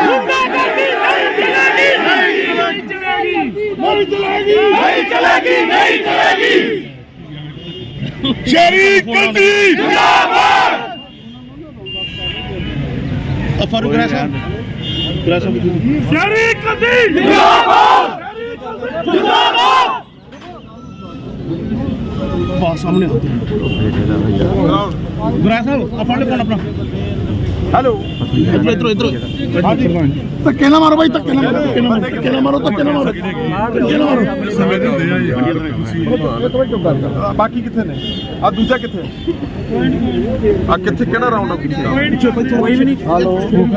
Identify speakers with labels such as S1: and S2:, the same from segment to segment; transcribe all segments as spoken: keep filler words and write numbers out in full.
S1: नहीं चलेगी नहीं चलेगी नहीं चलेगी शरीक गद्दी जिंदाबाद फारूक साहब शरीक गद्दी जिंदाबाद जिंदाबाद बात सामने गुरा साहब अपन फोन अपना हेलो इधर इधर इधर धक्के ना मारो भाई धक्के ना मारो धक्के ना मारो धक्के ना मारो धक्के ना मारो बाकी किथे ने आ दूजा किथे आ किथे केड़ा राउंड अप पीछे कोई भी नहीं हेलो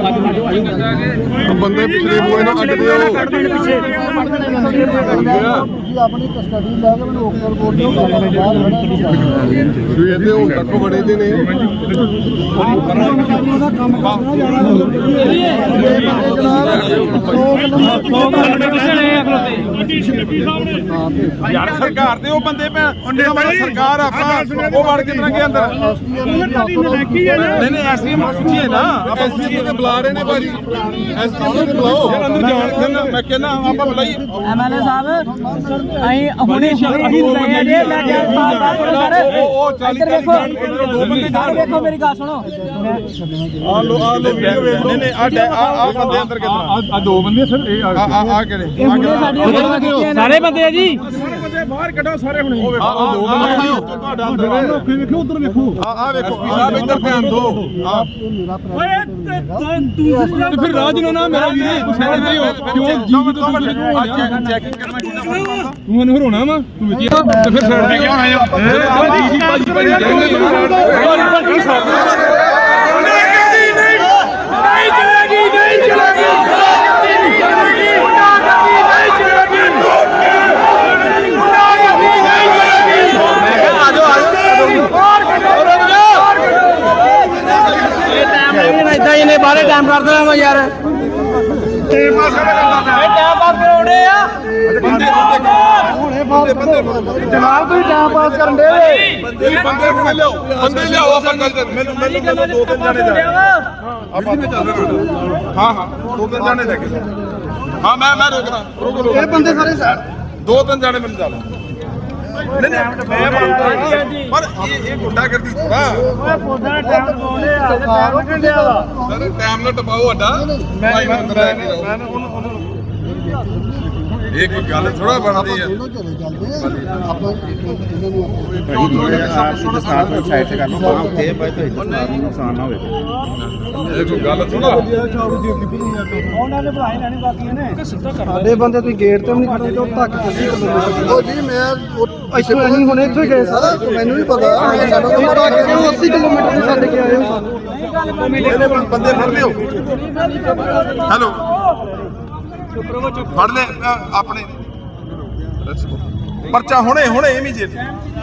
S1: बंदे पिछले हुए ना अट दियो पीछे जी अपनी कस्टडी ले के मैंने ओकर बोल दियो बाहर बड़ा ये दे हुन तक बड़े दे ने ਕੰਮ ਕਰਨਾ ਯਾਰ ਸਰਕਾਰ ਦੇ ਉਹ ਬੰਦੇ ਪੈ ਸਰਕਾਰ ਆਪਣਾ ਉਹ ਵੜ ਕਿਤਨਾ ਕੇ ਅੰਦਰ ਨਹੀਂ ਨਹੀਂ ਐਸਡੀਐਮ ਪੁੱਛੀਏ ਨਾ ਆਪਾਂ ਐਸਡੀਐਮ ਤੇ ਬੁਲਾ ਰਹੇ ਨੇ ਭਾਜੀ ਐਸਡੀਐਮ ਤੇ ਬੁਲਾਓ ਯਾਰ ਅੰਦਰ ਜਾਣ ਕੇ ਮੈਂ ਕਹਿੰਦਾ ਆਪਾਂ ਬੁਲਾਈਏ ਐਮਐਲਏ ਸਾਹਿਬ ਅਸੀਂ ਹੁਣੇ ਅਸੀਂ ਲਏ ਜੇ ਮੈਂ ਕਿਹਾ ਉਹ ਚਾਲੀ ਦੇਖੋ ਦੋ ਬੰਦੇ ਦੇਖੋ ਮੇਰੀ ਗੱਲ ਸੁਣੋ ਆ ਲੋ ਆ ਲੋ ਵੀਡੀਓ ਵੇਖ ਲੋ ਨਹੀਂ ਆ ਆ ਬੰਦੇ ਅੰਦਰ ਕਿਤਨਾ ਆ ਦੋ ਬੰਦੇ ਸਰ ਇਹ ਆ ਆ ਕਿਹੜੇ
S2: ਸਾਰੇ ਬੰਦੇ ਆ ਜੀ
S1: ਸਾਰੇ ਬੰਦੇ ਬਾਹਰ ਕੱਢੋ ਸਾਰੇ ਹੁਣੇ ਆ ਦੋ ਬੰਦੇ ਤੁਹਾਡਾ ਅੰਦਰ ਵੇਖੋ ਉਧਰ ਵੇਖੋ ਆ ਆ ਵੇਖੋ ਸਾਹਿਬ ਇੱਧਰ ਧਿਆਨ ਦਿਓ ਓਏ ਤੇ ਫਿਰ ਰਾਜ ਨੂੰ ਨਾ ਮੇਰਾ ਵੀਰੇ ਗੁੱਸੇ ਨਾਲ ਨਹੀਂ ਹੋ ਕਿਉਂ ਜੀ ਚੈਕਿੰਗ ਕਰਨਾ ਕਿੰਨਾ ਫਰਕ ਤੂੰ ਮੈਨੂੰ ਹਰਾਉਣਾ ਵਾ ਤੂੰ ਵਿੱਚ ਤੇ ਫਿਰ ਸਾਈਡ ਤੇ ਕਿਉਂ ਆਇਆ ਜੀ ਜੀ ਭਾਜੀ ਭਾਜੀ
S2: ਇਹਨੇ ਬਾਰੇ ਟਾਈਮ ਕਰ ਦੇਣਾ ਵਾ ਯਾਰ
S1: ਟਾਈਮ ਪਾਸ
S2: ਕਰਾਉਣੇ ਆ
S1: ਬੰਦੇ ਬੰਦੇ ਬੰਦੇ
S2: ਜਨਾਬ ਤੁਸੀਂ ਟਾਈਮ ਪਾਸ ਕਰਨ ਦੇ
S1: ਬੰਦੇ ਬੰਦੇ ਹੁਣੇ ਲਿਆਓ ਬੰਦੇ ਲਿਆਓ ਆਪਾਂ ਗੱਲ ਕਰ ਮੈਨੂੰ ਮੈਨੂੰ ਮੈਨੂੰ ਦੋ ਤਿੰਨ ਜਾਣੇ ਜਾ ਆਪਾਂ ਵੀ ਚੱਲ ਰਹੇ ਹਾਂ ਹਾਂ ਦੋ ਤਿੰਨ ਜਾਣੇ ਲੈ ਕੇ ਹਾਂ ਮੈਂ ਮੈਂ ਰੋਕਣਾ ਰੋਕ ਲੋ ਇਹ ਬੰਦੇ ਸਾਰੇ ਦੋ ਤਿੰਨ ਜਾਣੇ ਮੈਨੂੰ ਚੱਲ ਨਹੀਂ ਨਹੀਂ ਪਰ ਇਹ ਇਹ ਗੁੰਡਾਗਰਦੀ ਥੋੜਾ ਓਏ ਪੌਦਾ ਟਾਈਮ ਪਾਉਣੇ ਆ ਸਰਕਾਰ ਨੂੰ ਕਿਹੜਾ ਸਰ ਟਾਈਮ ਨਾ ਟਪਾਓ ਅੱਡਾ ਮੈਂ ਮੈਂ ਉਹਨੂੰ ਇਹ ਕੋਈ ਗੱਲ ਥੋੜਾ ਬਣਦੀ ਆ ਆਪਾਂ ਸਾਈਡ ਤੇ ਕਰ ਲਓ ਬਾਹਰ ਉੱਤੇ ਬਾਈ ਤੋਂ ਇੱਧਰ ਨੁਕਸਾਨ ਨਾ ਹੋਵੇ ਇਹ ਕੋਈ ਗੱਲ ਥੋੜਾ ਉਹਨਾਂ ਨੇ ਭਰਾਈ ਲੈਣੀ ਬਾਕੀ ਨੇ ਸਾਡੇ ਬੰਦੇ ਤੁਸੀਂ ਗੇਟ ਤੇ ਵੀ ਨਹੀਂ ਖੜਦੇ ਉਹ ਧੱਕ ਤੁਸੀਂ ਉਹ ਜੀ ਮੈਂ ਇੱਥੋਂ ਅਸੀਂ ਹੁਣ ਇੱਥੋਂ ਗਏ ਸਰ ਮੈਨੂੰ ਵੀ ਪਤਾ ਸਾਡਾ ਅੱਸੀ ਕਿਲੋਮੀਟਰ ਤੋਂ ਛੱਡ ਕੇ ਆਏ ਹੋ ਸਾਨੂੰ ਬੰਦੇ ਫੜ ਲਿਓ ਹੈਲੋ ਫੜ ਲੈ ਆਪਣੇ ਪਰਚਾ ਹੁਣੇ ਹੁਣੇ ਇਮੀਡੀਏਟ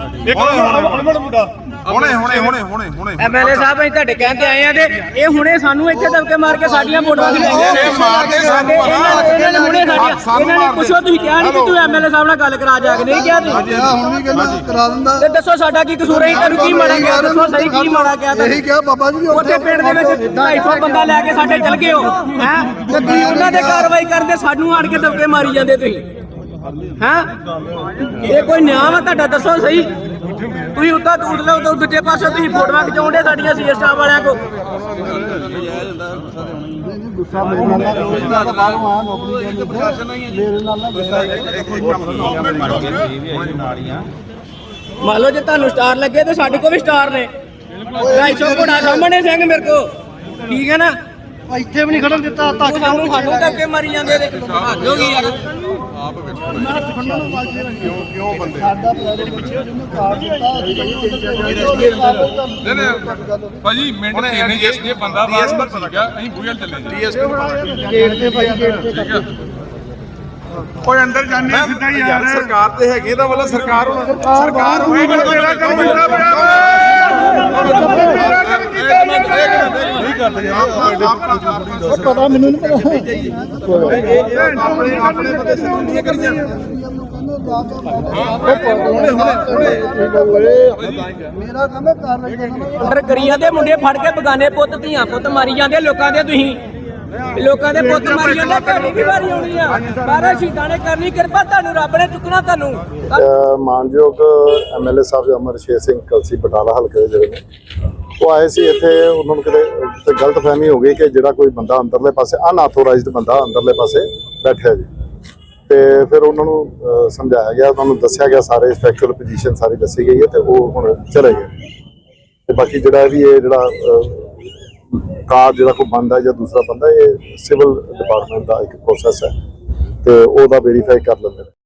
S1: ਹੁਣੇ ਹੁਣੇ ਹੁਣੇ ਹੁਣੇ ਹੁਣੇ
S2: ਐਮਐਲਏ ਸਾਹਿਬ ਅਸੀਂ ਤੁਹਾਡੇ ਕਹਿੰਦੇ ਆਏ ਆ ਤੇ ਇਹ ਹੁਣੇ ਸਾਨੂੰ ਇੱਥੇ ਦਬਕੇ ਮਾਰ ਕੇ ਸਾਡੀਆਂ ਫੋਟੋਆਂ ਖਿਚਾਈਆਂ ਨੇ
S1: ਮਾਰਦੇ ਸਾਨੂੰ
S2: ਇਹਨਾਂ ਨੇ ਹੁਣੇ ਸਾਡੀਆਂ ਇਹਨਾਂ ਨੇ ਪੁੱਛੋ ਤੁਸੀਂ ਕਿਹਾ ਨਹੀਂ ਕਿ ਤੂੰ ਐਮਐਲਏ ਸਾਹਿਬ ਨਾਲ ਗੱਲ ਕਰਾ ਜਾ ਕੇ ਨਹੀਂ ਕਿਹਾ ਤੁਸੀਂ
S3: ਹੁਣ ਵੀ ਕਹਿੰਦਾ ਕਰਾ ਦਿੰਦਾ
S2: ਤੇ ਦੱਸੋ ਸਾਡਾ ਕੀ ਕਸੂਰ ਹੈ ਤੁਹਾਨੂੰ ਕੀ ਮਾੜਾ ਗਿਆ ਦੱਸੋ ਸਹੀ ਕੀ ਮਾੜਾ ਗਿਆ
S3: ਇਹੀ ਕਿਹਾ ਬਾਬਾ ਜੀ
S2: ਉੱਥੇ ਪਿੰਡ ਦੇ ਵਿੱਚ ਢਾਈ ਸੌ ਬੰਦਾ ਲੈ ਕੇ ਸਾਡੇ ਚਲ ਗਏ ਹੋ ਹੈ ਤੇ ਤੁਸੀਂ ਉਹਨਾਂ ਦੇ ਕਾਰਵਾਈ ਕਰਦੇ ਸਾਨੂੰ ਆਣ ਕੇ ਦਬਕੇ ਮਾਰੀ ਜਾਂਦੇ ਤੁਸੀਂ ਹੈਂ ਇਹ ਕੋਈ ਨਿਆਂ ਵਾ ਤੁਹਾਡਾ ਦੱਸੋ ਸਹੀ ਤੁਸੀਂ ਉੱਤਾ ਦੂਰ ਲਓ ਤੇ ਦੂਜੇ ਪਾਸੇ ਤੁਸੀਂ ਫੋਟੋਆਂ ਖਿਚਾਉਂਦੇ ਸਾਡੀਆਂ ਸੀ ਸਟਾਫ ਵਾਲਿਆਂ ਕੋ
S3: ਗੁੱਸਾ ਮੇਰੇ ਨਾਲ ਨਾ ਬਾਹਰੋਂ ਆ ਨੌਕਰੀ ਦੇ ਮੇਰੇ ਨਾਲ ਨਾ ਗੁੱਸਾ
S2: ਮੰਨ ਲਓ ਜੇ ਤੁਹਾਨੂੰ ਸਟਾਰ ਲੱਗੇ ਤੇ ਸਾਡੇ ਕੋ ਵੀ ਸਟਾਰ ਨੇ ਢਾਈ ਸੌ ਘੋੜਾ ਸਾਹਮਣੇ ਸਿੰਘ ਮੇਰੇ ਕੋ ਠੀਕ ਹੈ ਨਾ
S3: ਇੱਥੇ ਵੀ ਨਹੀਂ ਖੜਨ ਦਿੱਤਾ ਧੱਕ
S2: ਸਾਨੂੰ ਸਾਨੂੰ ਧੱਕੇ ਮਾਰੀ ਜਾਂਦੇ ਨੇ ਹੱਦ ਹੋ ਗਈ ਯਾਰ
S1: ਆਪ ਵੇਖੋ ਕਿਉਂ ਕਿਉਂ ਬੰਦੇ
S3: ਸਾਡਾ ਪ੍ਰੈਜ਼ੀਡੈਂਟ ਪਿੱਛੇ ਜਿਹਨੂੰ ਕਾਰਡ ਦਿੱਤਾ
S1: ਨਹੀਂ ਨਹੀਂ ਭਾਜੀ ਮਿੰਟ ਤੇ ਨਹੀਂ ਜੇ ਬੰਦਾ ਬਾਹਰ ਪਤਾ ਲੱਗਾ ਅਸੀਂ ਬੂਹੇ ਚੱਲੇ ਜੀ
S3: ਗੇਟ ਤੇ ਭਾਈ ਗੇਟ ਤੇ
S1: ਠੀਕ ਹੈ ਕੋਈ ਅੰਦਰ ਜਾਣੇ ਸਿੱਧਾ ਹੀ ਯਾਰ ਸਰਕਾਰ ਤੇ ਹੈਗੀ ਇਹਦਾ ਵੱਲੋਂ ਸਰਕਾਰ ਹੁਣ ਸਰਕਾਰ ਹੋਈ ਮੇਰਾ ਕੰਮ ਕੀਤਾ ਪਿਆ ਨਹੀਂ ਕਰਦੇ
S3: ਪਤਾ ਮੈਨੂੰ ਨਹੀਂ ਪਤਾ
S1: ਆਪਣੇ ਆਪਣੇ ਬੰਦੇ ਸੰਬੰਧੀਆਂ ਕਰੀਆਂ
S3: ਮੇਰਾ ਕੰਮ ਹੈ ਕਾਰਵਾਈ ਕਰਨਾ
S2: ਅੰਦਰ ਗਰੀਆਂ ਦੇ ਮੁੰਡੇ ਫੜ ਕੇ ਬਗਾਨੇ ਪੁੱਤ ਧੀਆਂ ਪੁੱਤ ਮਾਰੀ ਜਾਂਦੇ ਲੋਕਾਂ ਦੇ ਤੁਸੀਂ ਲੋਕਾਂ ਦੇ ਪੁੱਤ ਮਾਰੀ ਜਾਂਦੇ, ਤੁਹਾਡੀ ਵੀ ਵਾਰੀ ਆਉਣੀ ਆ। ਬਾਰਾਂ ਸ਼ਹੀਦਾਂ ਨੇ ਕਰਨੀ ਕਿਰਪਾ, ਤੁਹਾਨੂੰ ਰੱਬ ਨੇ ਚੁੱਕਣਾ ਤੁਹਾਨੂੰ।
S3: ਅਹ ਮਾਨਯੋਗ ਐਮਐਲਏ ਸਾਹਿਬ ਅਮਰਸ਼ੇਰ ਸਿੰਘ ਕਲਸੀ ਬਟਾਲਾ ਹਲਕੇ ਦੇ ਜਿਹੜੇ ਨੇ ਉਹ ਆਏ ਸੀ ਇੱਥੇ। ਉਹਨਾਂ ਨੂੰ ਕਿਤੇ ਤੇ ਗਲਤਫਹਿਮੀ ਹੋ ਗਈ ਕਿ ਜਿਹੜਾ ਕੋਈ ਬੰਦਾ ਅੰਦਰਲੇ ਪਾਸੇ ਅਨਆਥੋਰਾਈਜ਼ਡ ਬੰਦਾ ਅੰਦਰਲੇ ਪਾਸੇ ਬੈਠਿਆ ਜੀ, ਤੇ ਫਿਰ ਉਹਨਾਂ ਨੂੰ ਅਹ ਸਮਝਾਇਆ ਗਿਆ, ਉਹਨਾਂ ਨੂੰ ਦੱਸਿਆ ਗਿਆ, ਸਾਰੇ ਫੈਕਚੁਅਲ ਪੋਜੀਸ਼ਨ ਸਾਰੀ ਦੱਸੀ ਗਈ ਹੈ ਤੇ ਉਹ ਹੁਣ ਚਲੇ ਗਏ। ਤੇ ਬਾਕੀ ਜਿਹੜਾ ਵੀ ਇਹ ਜਿਹੜਾ ਕਾਰ ਜਿਹੜਾ ਕੋਈ ਬੰਦਾ ਜਾਂ ਦੂਸਰਾ ਬੰਦਾ, ਇਹ ਸਿਵਲ ਡਿਪਾਰਟਮੈਂਟ ਦਾ ਇੱਕ ਪ੍ਰੋਸੈਸ ਹੈ ਤੇ ਉਹਦਾ ਵੈਰੀਫਾਈ ਕਰ ਲੈਂਦੇ ਨੇ।